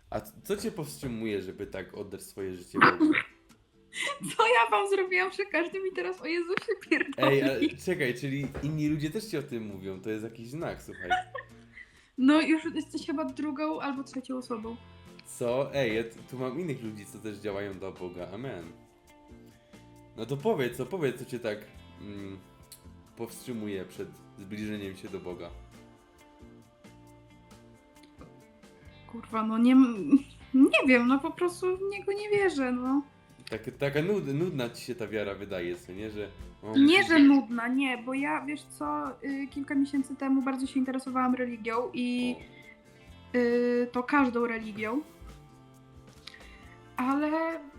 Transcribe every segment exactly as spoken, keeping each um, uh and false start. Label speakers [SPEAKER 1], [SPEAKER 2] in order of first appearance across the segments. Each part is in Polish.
[SPEAKER 1] A co cię powstrzymuje, żeby tak oddać swoje życie Bogu?
[SPEAKER 2] Co ja wam zrobiłam, że każdy mi teraz o Jezusie
[SPEAKER 1] Ej, ale
[SPEAKER 2] pierdoli?
[SPEAKER 1] czekaj, czyli inni ludzie też ci o tym mówią, to jest jakiś znak, słuchaj.
[SPEAKER 2] No już jesteś chyba drugą albo trzecią osobą.
[SPEAKER 1] Co? Ej, ja tu tu mam innych ludzi, co też działają dla Boga, amen. No to powiedz, co powiedz, co cię tak mm, powstrzymuje przed zbliżeniem się do Boga.
[SPEAKER 2] Kurwa, no nie... Nie wiem, no po prostu w niego nie wierzę, no.
[SPEAKER 1] Tak, taka nud, nudna ci się ta wiara wydaje, co nie, że... O,
[SPEAKER 2] Nie,
[SPEAKER 1] musisz-
[SPEAKER 2] że nudna, nie, bo ja, wiesz co, y, kilka miesięcy temu bardzo się interesowałam religią i
[SPEAKER 1] O,
[SPEAKER 2] y, to każdą religią. Ale...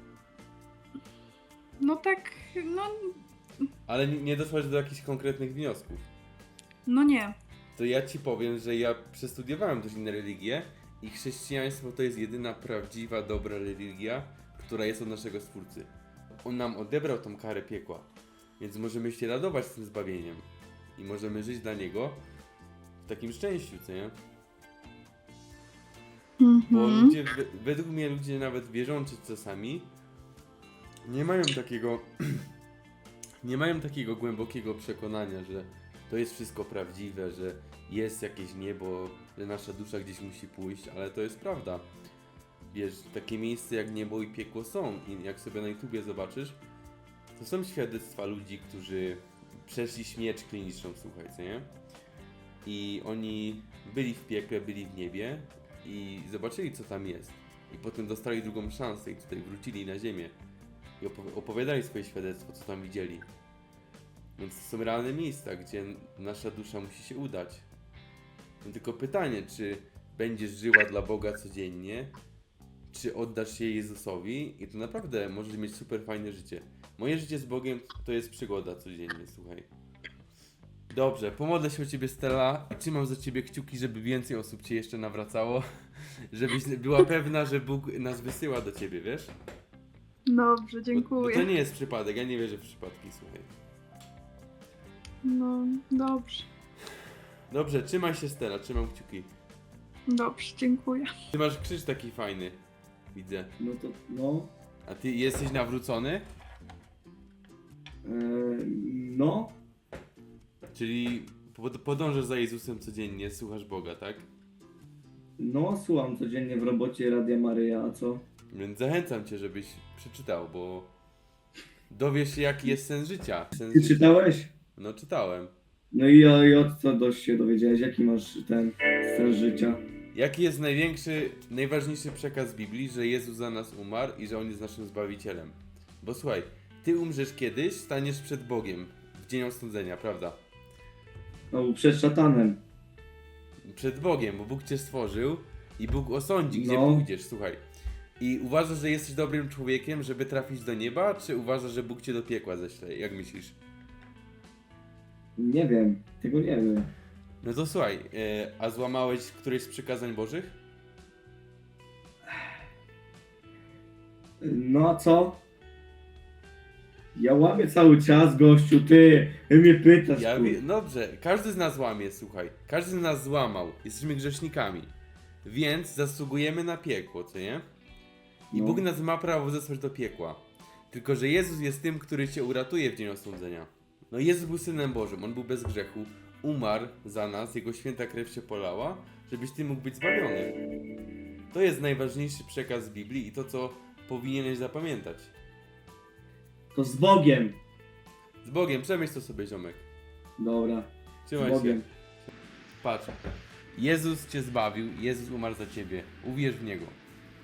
[SPEAKER 2] No tak, no...
[SPEAKER 1] ale nie, nie doszłaś do jakichś konkretnych wniosków.
[SPEAKER 2] No nie.
[SPEAKER 1] To ja ci powiem, że ja przestudiowałem też inne religie i chrześcijaństwo to jest jedyna prawdziwa, dobra religia, która jest od naszego Stwórcy. On nam odebrał tą karę piekła, więc możemy się radować z tym zbawieniem i możemy żyć dla Niego w takim szczęściu, co nie? Bo
[SPEAKER 2] Mhm.
[SPEAKER 1] ludzie, we- według mnie ludzie nawet wierzący czasami nie mają takiego nie mają takiego głębokiego przekonania, że to jest wszystko prawdziwe, że jest jakieś niebo, że nasza dusza gdzieś musi pójść, ale to jest prawda. Wiesz, takie miejsce jak niebo i piekło są i jak sobie na YouTubie zobaczysz, to są świadectwa ludzi, którzy przeszli śmierć kliniczną, słuchaj, co nie? I oni byli w piekle, byli w niebie i zobaczyli, co tam jest. I potem dostali drugą szansę i tutaj wrócili na ziemię i opowi- opowiadali swoje świadectwo, co tam widzieli. Więc to są realne miejsca, gdzie nasza dusza musi się udać. No tylko pytanie, czy będziesz żyła dla Boga codziennie, czy oddasz się Jezusowi i to naprawdę możesz mieć super fajne życie. Moje życie z Bogiem to jest przygoda codziennie, słuchaj. Dobrze, pomodlę się o Ciebie, Stella, i trzymam za Ciebie kciuki, żeby więcej osób Cię jeszcze nawracało, żebyś była pewna, że Bóg nas wysyła do Ciebie, wiesz?
[SPEAKER 2] Dobrze,
[SPEAKER 1] Bo, bo
[SPEAKER 2] dziękuję.
[SPEAKER 1] to nie jest przypadek, ja nie wierzę w przypadki, słuchaj.
[SPEAKER 2] No, dobrze.
[SPEAKER 1] Dobrze, trzymaj się, Stella, trzymam kciuki.
[SPEAKER 2] Dobrze, dziękuję.
[SPEAKER 1] Ty masz krzyż taki fajny, widzę.
[SPEAKER 3] No to, no,
[SPEAKER 1] A ty jesteś nawrócony?
[SPEAKER 3] e, no,
[SPEAKER 1] Czyli pod- podążasz za Jezusem codziennie, słuchasz Boga, tak?
[SPEAKER 3] no, słucham codziennie w robocie Radia Maryja, a co?
[SPEAKER 1] Więc zachęcam cię, żebyś przeczytał, bo dowiesz się, jaki jest sens życia. Sens
[SPEAKER 3] Ty
[SPEAKER 1] życia.
[SPEAKER 3] czytałeś?
[SPEAKER 1] No czytałem.
[SPEAKER 3] No i, o- i od co dość się dowiedziałeś, jaki masz ten sens życia?
[SPEAKER 1] Jaki jest największy, najważniejszy przekaz Biblii, że Jezus za nas umarł i że On jest naszym Zbawicielem? Bo słuchaj, ty umrzesz kiedyś, staniesz przed Bogiem w dzień osądzenia, prawda?
[SPEAKER 3] No, przed szatanem.
[SPEAKER 1] Przed Bogiem, bo Bóg cię stworzył i Bóg osądzi, gdzie
[SPEAKER 3] No.
[SPEAKER 1] pójdziesz, słuchaj. I uważasz, że jesteś dobrym człowiekiem, żeby trafić do nieba, czy uważasz, że Bóg cię do piekła ześle? Jak myślisz?
[SPEAKER 3] Nie wiem, tego nie wiem.
[SPEAKER 1] No to słuchaj, e, a złamałeś któreś z przykazań Bożych?
[SPEAKER 3] No a co? Ja łamię cały czas, gościu, ty, ty mnie pytasz,
[SPEAKER 1] Ja
[SPEAKER 3] kur...
[SPEAKER 1] wie, dobrze, każdy z nas łamie, słuchaj. Każdy z nas złamał. Jesteśmy grzesznikami. Więc zasługujemy na piekło, co nie? I
[SPEAKER 3] No.
[SPEAKER 1] Bóg nas ma prawo zesłać do piekła. Tylko, że Jezus jest tym, który cię uratuje w dzień osądzenia. No Jezus był Synem Bożym, On był bez grzechu, umarł za nas, Jego święta krew się polała, żebyś ty mógł być zbawiony. To jest najważniejszy przekaz Biblii i to, co powinieneś zapamiętać.
[SPEAKER 3] To z Bogiem.
[SPEAKER 1] Z Bogiem, przemyśl to sobie, ziomek.
[SPEAKER 3] Dobra, z
[SPEAKER 1] Trzymaj się.
[SPEAKER 3] Bogiem.
[SPEAKER 1] Patrz. Jezus cię zbawił, Jezus umarł za ciebie. Uwierz w Niego.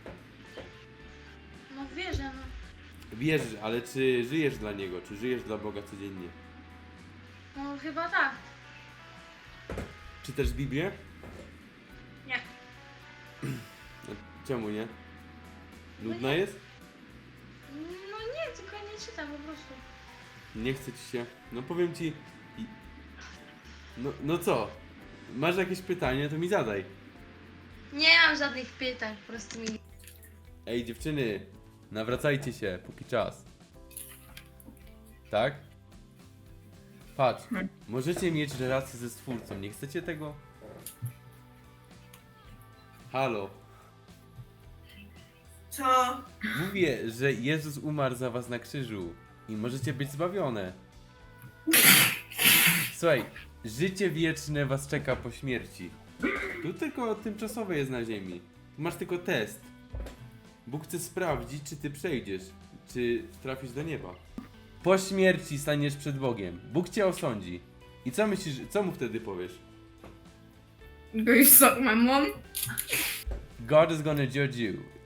[SPEAKER 4] No wierzę, no.
[SPEAKER 1] Wierzysz, ale czy żyjesz dla Niego? Czy żyjesz dla Boga codziennie?
[SPEAKER 4] No chyba tak.
[SPEAKER 1] Czytasz Biblię?
[SPEAKER 4] Nie.
[SPEAKER 1] No, czemu nie? Nudna
[SPEAKER 4] No nie.
[SPEAKER 1] jest?
[SPEAKER 4] No nie, tylko nie czytam po prostu.
[SPEAKER 1] Nie chce ci się. No powiem ci. i- No, no co? Masz jakieś pytanie, to mi zadaj.
[SPEAKER 4] Nie mam żadnych pytań, po prostu mi...
[SPEAKER 1] Ej, dziewczyny, nawracajcie się, póki czas. Tak? Patrz, możecie mieć relację ze Stwórcą, nie chcecie tego? Halo.
[SPEAKER 5] Co?
[SPEAKER 1] Mówię, że Jezus umarł za was na krzyżu i możecie być zbawione. Słuchaj, życie wieczne was czeka po śmierci. Tu tylko tymczasowe jest na ziemi. Tu masz tylko test. Bóg chce sprawdzić, czy ty przejdziesz, czy trafisz do nieba. Po śmierci staniesz przed Bogiem. Bóg cię osądzi. I co myślisz, co mu wtedy powiesz?
[SPEAKER 5] Go you suck my mom?
[SPEAKER 1] God is gonna judge you.